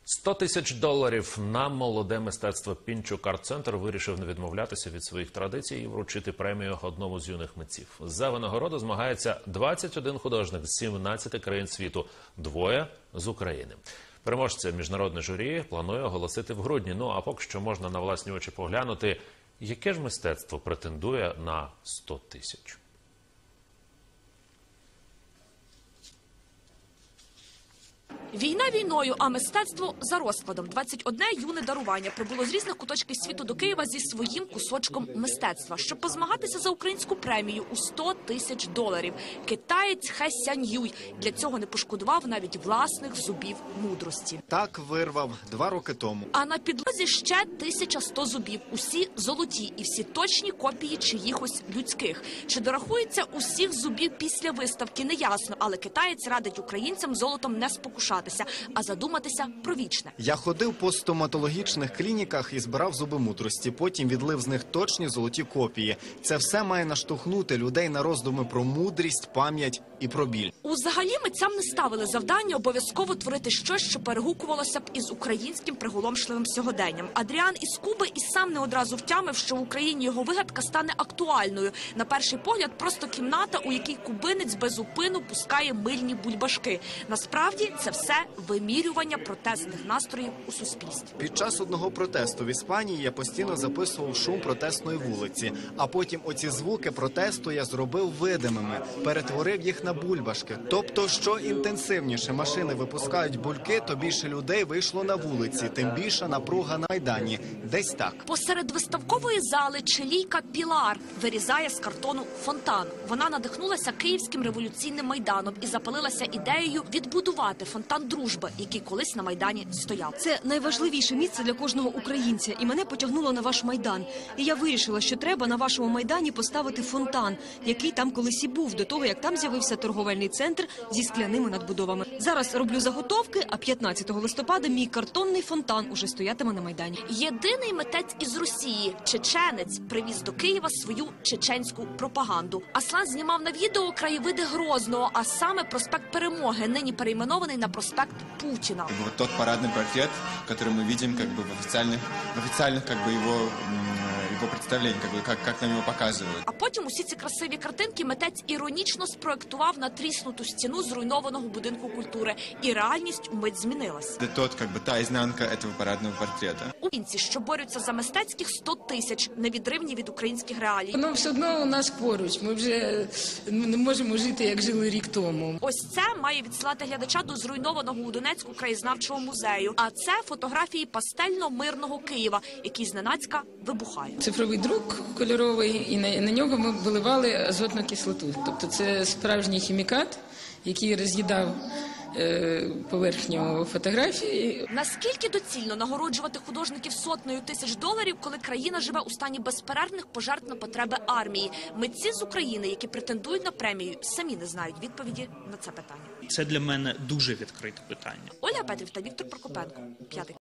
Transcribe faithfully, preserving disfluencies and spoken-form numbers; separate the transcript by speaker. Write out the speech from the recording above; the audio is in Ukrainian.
Speaker 1: сто тисяч доларів на молоде мистецтво. Пінчук арт-центр вирішив не відмовлятися від своїх традицій і вручити премію одному з юних митців. За винагороду змагається двадцять один художник з сімнадцяти країн світу, двоє з України. Переможця міжнародне журі планує оголосити в грудні. Ну а поки що можна на власні очі поглянути, яке ж мистецтво претендує на сто тисяч.
Speaker 2: Війна війною, а мистецтво за розкладом. двадцять одне юне дарування прибуло з різних куточків світу до Києва зі своїм кусочком мистецтва, щоб позмагатися за українську премію у сто тисяч доларів. Китаєць Хе Сянь-Юй для цього не пошкодував навіть власних зубів мудрості.
Speaker 3: Так вирвав два роки тому.
Speaker 2: А на підлозі ще тисяча сто зубів. Усі золоті і всі точні копії чиїхось людських. Чи дорахується усіх зубів після виставки, неясно. Але китаєць радить українцям золотом не спокушати, а задуматися про вічне.
Speaker 3: Я ходив по стоматологічних клініках і збирав зуби мудрості. Потім відлив з них точні золоті копії. Це все має наштовхнути людей на роздуми про мудрість, пам'ять і про біль.
Speaker 2: Узагалі митцям не ставили завдання обов'язково творити щось, що перегукувалося б із українським приголомшливим сьогоденням. Адріан із Куби і сам не одразу втямив, що в Україні його вигадка стане актуальною. На перший погляд просто кімната, у якій кубинець без упину пускає мильні бульбашки. Насправді це все вимірювання протестних настроїв у суспільстві.
Speaker 3: Під час одного протесту в Іспанії я постійно записував шум протестної вулиці, а потім оці звуки протесту я зробив видимими, перетворив їх на бульбашки. Тобто, що інтенсивніше машини випускають бульки, то більше людей вийшло на вулиці, тим більша напруга на Майдані. Десь так.
Speaker 2: Посеред виставкової зали чилійка Пілар вирізає з картону фонтан. Вона надихнулася Київським революційним Майданом і запалилася ідеєю відбудувати фонтан дружби, який колись на Майдані стояв.
Speaker 4: Це найважливіше місце для кожного українця, і мене потягнуло на ваш Майдан. І я вирішила, що треба на вашому Майдані поставити фонтан, який там колись і був, до того, як там з'явився торговельний центр зі скляними надбудовами. Зараз роблю заготовки, а п'ятнадцятого листопада мій картонний фонтан уже стоятиме на Майдані.
Speaker 2: Єдиний митець із Росії, чеченець, привіз до Києва свою чеченську пропаганду. Аслан знімав на відео краєвиди Грозного, а саме проспект Перемоги, нині перейменований на проспект Путина.
Speaker 5: Вот тот парадный портрет, который мы видим как бы в официальных, в официальных как бы его, его представлениях, как бы как, как нам его показывают.
Speaker 2: А потім усі ці красиві картинки митець іронічно спроектував на тріснуту стіну зруйнованого будинку культури. І реальність умить змінилась.
Speaker 5: Это тот, как бы, та изнанка этого парадного портрета.
Speaker 2: Українці, що борються за мистецьких сто тисяч, невідривні від українських реалій.
Speaker 6: Воно все одно у нас поруч. Ми вже не можемо жити, як жили рік тому.
Speaker 2: Ось це має відсилати глядача до зруйнованого у Донецьку краєзнавчого музею. А це фотографії пастельно-мирного Києва, який зненацька вибухає.
Speaker 6: Цифровий друк кольоровий, і на, на нього ми виливали азотну кислоту. Тобто це справжній хімікат, який роз'їдав е, поверхню фотографії.
Speaker 2: Наскільки доцільно нагороджувати художників сотнею тисяч доларів, коли країна живе у стані безперервних пожертв на потреби армії? Митці з України, які претендують на премію, самі не знають відповіді на це питання.
Speaker 7: Це для мене дуже відкрите питання.
Speaker 2: Ольга Петрів та Віктор Прокопенко. П'ятий.